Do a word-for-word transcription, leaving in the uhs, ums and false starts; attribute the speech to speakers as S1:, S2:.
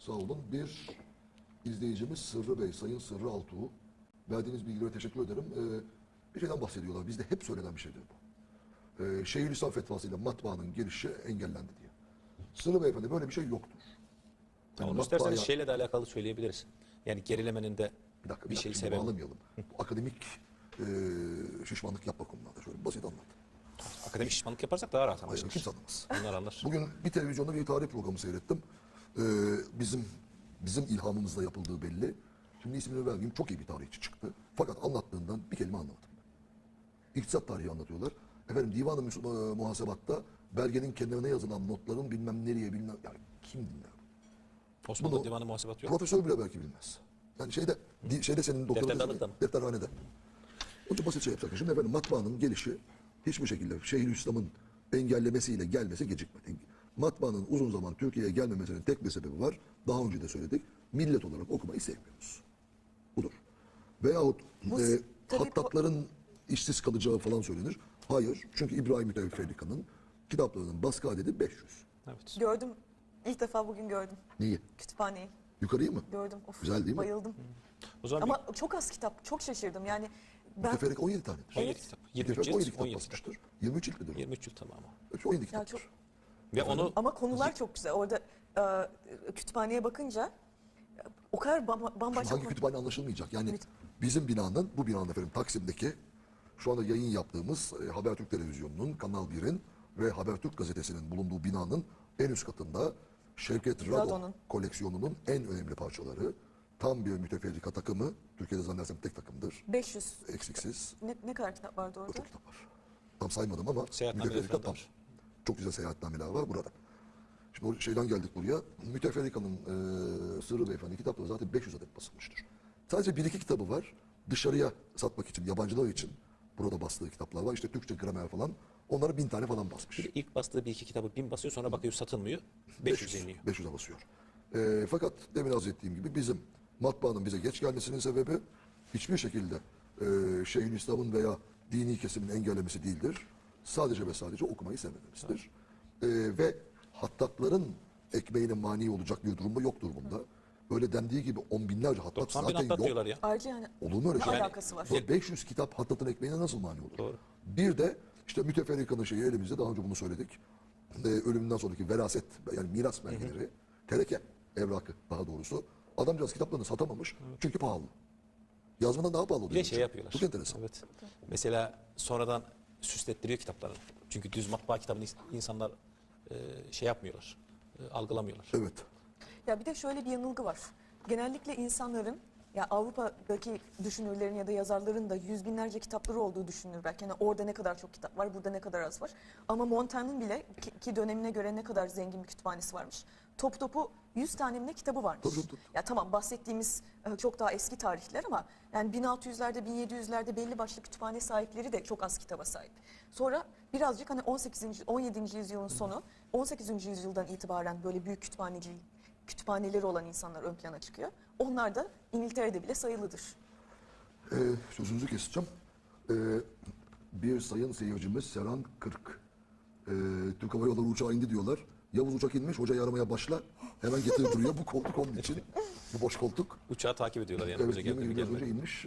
S1: Sağ olun. Bir izleyicimiz Sırrı Bey, Sayın Sırrı Altuğ. Verdiğiniz bilgilere teşekkür ederim. Ee, bir şeyden bahsediyorlar. Bizde hep söylenen bir şeydir bu. Ee, Şeyhülislam fetvasıyla matbaanın gelişi engellendi diye. Sırrı Beyefendi böyle bir şey yoktur.
S2: Yani
S1: Yani
S2: onu isterseniz
S1: matbaaya-
S2: şeyle de alakalı söyleyebiliriz. Yani gerilemenin de
S1: Bir dakika, bir,
S2: bir
S1: dakika,
S2: şeyi
S1: şimdi
S2: sebebi.
S1: bağlamayalım. Bu akademik e, şişmanlık yapma konularda. Şöyle basit anlat.
S2: Akademik şişmanlık yaparsak daha rahat
S1: Hayır,
S2: anlaşılır.
S1: kimse anlamaz.
S2: Onlar anlar.
S1: Bugün bir televizyonda bir tarih programı seyrettim. Ee, bizim bizim ilhamımızla yapıldığı belli. Şimdi ismini vermeyeyim, çok iyi bir tarihçi çıktı. Fakat anlattığından bir kelime anlamadım. İktisat tarihi anlatıyorlar. Efendim Divan-ı Müs- e, Muhasebat'ta belgenin kenarına yazılan notların bilmem nereye bilmem... Yani kim dinler?
S2: Osmanlı
S1: Bunu
S2: Divanı Muhasebat yok.
S1: Profesör bile belki bilmez. Yani şeyde, di- şeyde senin doktora...
S2: Defterde alır da mı?
S1: Defterhanede. Onun için basit şey yapsak. Şimdi efendim matbaanın gelişi hiçbir şekilde Şeyhülislam'ın engellemesiyle gelmesi gecikmedi. Matbaanın uzun zaman Türkiye'ye gelmemesinin tek bir sebebi var. Daha önce de söyledik. Millet olarak okumayı sevmiyoruz. Budur. Veyahut
S3: Bu-
S1: e,
S3: tabii bu-
S1: hattatların işsiz kalacağı falan söylenir. Hayır. Çünkü İbrahim Mütevfika'nın kitaplarının baskı adedi beş yüz.
S2: Evet.
S3: Gördüm. İlk defa bugün gördüm.
S1: Neyi?
S3: Kütüphaneyi.
S1: Yukarıyı mı?
S3: Gördüm. Of,
S1: Güzel değil mi?
S3: Bayıldım.
S2: O zaman
S3: Ama çok az kitap. Çok şaşırdım. Yani ben
S1: Müteferrik on yedi tanedir.
S2: bir on yedi
S3: Evet.
S2: kitap. yirmi üç
S1: Müteferrik on yedi
S2: cilt,
S1: kitap
S2: on yedi kitap.
S1: basmıştır. yirmi üç cilt midir o?
S2: yirmi üç cilt tamamı.
S1: on yedi
S3: ya
S1: kitaptır.
S3: çok
S2: Ve onu
S3: ama konular çok güzel. Orada e, kütüphaneye bakınca e, o kadar bamba- bambaşka
S1: Hangi
S3: konu-
S1: kütüphane anlaşılmayacak. Yani
S3: Evet.
S1: bizim binanın, bu binanın efendim Taksim'deki şu anda yayın yaptığımız e, Habertürk Televizyonu'nun, Kanal bir'in ve Habertürk Gazetesi'nin bulunduğu binanın en üst katında Şevket Rado
S3: Rado'nun.
S1: koleksiyonunun en önemli parçaları. Tam bir müteferrika takımı. Türkiye'de zannedersem tek takımdır.
S3: beş yüz.
S1: Eksiksiz.
S3: Ne, ne kadar kitap vardı orada?
S1: Çok kitap var. Tam saymadım ama
S2: Seyahatnameler
S1: müteferrika
S2: falan da
S1: tam.
S2: var.
S1: Çok güzel seyahatnameler var burada. Şimdi o şeyden geldik buraya. Müteferrika'nın e, Sırrı Beyefendi kitapları zaten beş yüz adet basılmıştır. Sadece bir iki kitabı var. Dışarıya satmak için, yabancılar için burada bastığı kitaplar var. İşte Türkçe gramer falan. Onları bin tane falan basmış.
S2: Bir de ilk bastığı bir iki kitabı bin basıyor, sonra bakıyor satılmıyor. beş yüz iniyor.
S1: beş yüze basıyor. E, fakat demin arz ettiğim gibi bizim matbaanın bize geç gelmesinin sebebi hiçbir şekilde e, Şeyhülislam'ın veya dini kesimin engellemesi değildir. Sadece ve sadece okumayı sevmememizdir. E, ve hattatların ekmeğine mani olacak bir durumda yok durumunda. Öyle dendiği gibi on binlerce hattat
S2: doksan bin
S1: zaten
S2: hattat
S1: yok.
S2: diyorlar ya.
S3: Ayrıca yani
S1: Olur mu öyle
S3: ne
S1: şey?
S3: alakası var?
S1: Bu beş yüz kitap hattatın ekmeğine nasıl mani olur?
S2: Doğru.
S1: Bir de işte müteferrikanın şeyi elimizde, daha önce bunu söyledik. Ee, ölümünden sonraki veraset, yani miras belgeleri, tereke evrakı daha doğrusu. Adamcağız kitaplarını satamamış çünkü pahalı. Yazmadan daha pahalı oluyor.
S2: Bir de şey yapıyorlar.
S1: Çok enteresan.
S2: Evet. Mesela sonradan süslettiriyor kitaplarını. Çünkü düz matbaa kitabını ins- insanlar e, şey yapmıyorlar. e, algılamıyorlar.
S1: Evet.
S3: Ya bir de şöyle bir yanılgı var. Genellikle insanların ya Avrupa'daki düşünürlerin ya da yazarların da yüz binlerce kitapları olduğu düşünülür belki. Yani orada ne kadar çok kitap var, burada ne kadar az var. Ama Montaigne'ın bile ki, ki dönemine göre ne kadar zengin bir kütüphanesi varmış. Top topu yüz tane mi ne kitabı varmış.
S1: Tabii, tabii, tabii.
S3: Ya tamam bahsettiğimiz e, çok daha eski tarihler ama yani bin altı yüzlerde bin yedi yüzlerde belli başlı kütüphane sahipleri de çok az kitaba sahip. Sonra birazcık hani on sekizinci on yedinci yüzyılın sonu on sekizinci yüzyıldan itibaren böyle büyük kütüphanecilik kütüphaneleri olan insanlar ön plana çıkıyor. Onlar da İngiltere'de bile sayılıdır.
S1: Ee, sözünüzü keseceğim. Ee, bir sayın seyircimiz Serhan Kırk. Ee, Türk Hava Yolları uçağı indi diyorlar. Yavuz uçak inmiş, hocayı aramaya başla. Hemen getirip duruyor. Bu koltuk onun için. Bu boş koltuk.
S2: Uçağı takip ediyorlar yani.
S1: Evet,
S2: Hoca geldi mi
S1: yirmi yıl
S2: gelmedi mi?
S1: önce inmiş.